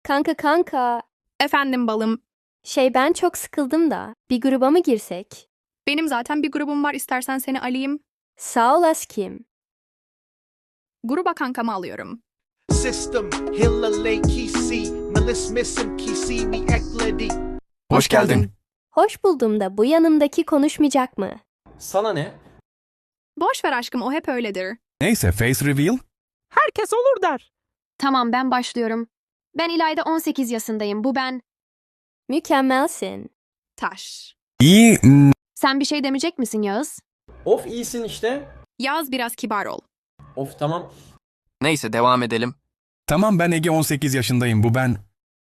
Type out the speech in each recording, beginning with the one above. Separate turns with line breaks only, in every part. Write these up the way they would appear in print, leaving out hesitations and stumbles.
Kanka.
Efendim balım.
Ben çok sıkıldım da. Bir gruba mı girsek?
Benim zaten bir grubum var, istersen seni alayım.
Sağ ol Askim.
Gruba kankamı alıyorum.
System, Hillary Kisi, Melis Missing Kisi, mi ekledi.
Hoş geldin.
Hoş buldum da bu yanımdaki konuşmayacak mı?
Sana ne?
Boş ver aşkım, o hep öyledir.
Neyse face reveal.
Herkes olur der.
Tamam ben başlıyorum. Ben İlayda 18 yaşındayım. Bu ben.
Mükemmelsin.
Taş.
İyi.
Sen bir şey demeyecek misin Yağız?
Of iyisin işte.
Yaz biraz kibar ol.
Of tamam.
Neyse devam edelim.
Tamam ben Ege 18 yaşındayım bu ben.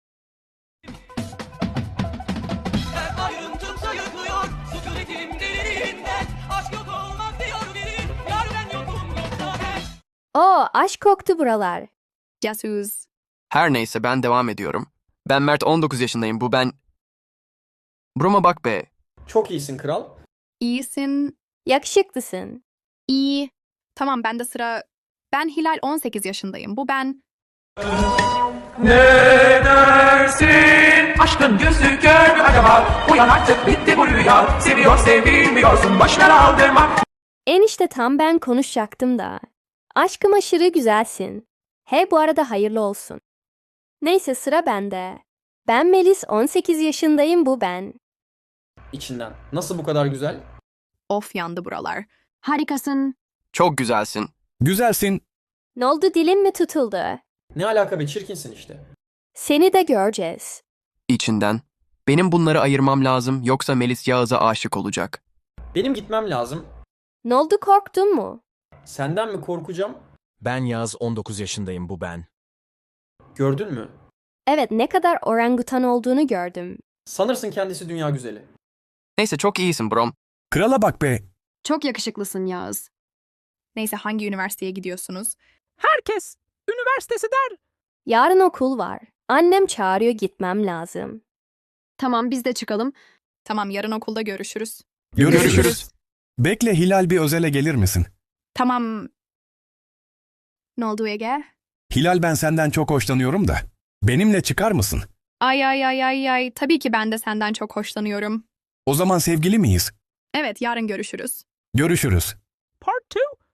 Ayrıntım sayıklıyor, sükunetim delirinden. Aşk yok olmaz diyor biri, yar ben yokum yoksa ben.
Oo, aşk koktu buralar.
Casus.
Her neyse ben devam ediyorum. Ben Mert 19 yaşındayım bu ben. Buruma bak be.
Çok iyisin kral.
İyisin.
Yakışıklısın.
İyi. Tamam bende sıra. Ben Hilal 18 yaşındayım. Bu ben.
Ne dersin? Aşkın yüzü kör mü acaba? Uyan artık bitti bu rüya. Seviyor sevilmiyorsun, boşver aldırma.
Enişte tam ben konuşacaktım da. Aşkım aşırı güzelsin. Bu arada hayırlı olsun. Neyse sıra bende. Ben Melis 18 yaşındayım bu ben.
İçinden. Nasıl bu kadar güzel?
Of yandı buralar.
Harikasın.
Çok güzelsin.
Güzelsin.
Ne oldu dilin mi tutuldu?
Ne alaka be, çirkinsin işte.
Seni de göreceğiz.
İçinden. Benim bunları ayırmam lazım yoksa Melis Yağız'a aşık olacak.
Benim gitmem lazım.
Ne oldu korktun mu?
Senden mi korkacağım?
Ben Yağız 19 yaşındayım bu ben.
Gördün mü?
Evet ne kadar orangutan olduğunu gördüm.
Sanırsın kendisi dünya güzeli.
Neyse çok iyisin brom.
Krala bak be.
Çok yakışıklısın Yağız.
Neyse hangi üniversiteye gidiyorsunuz?
Herkes üniversitesi der.
Yarın okul var. Annem çağırıyor gitmem lazım.
Tamam biz de çıkalım.
Tamam yarın okulda görüşürüz.
Görüşürüz. Bekle Hilal bir özele gelir misin?
Tamam. Ne oldu Ege?
Hilal ben senden çok hoşlanıyorum da. Benimle çıkar mısın?
Ay. Tabii ki ben de senden çok hoşlanıyorum.
O zaman sevgili miyiz?
Evet yarın görüşürüz.
Görüşürüz.
Part 2.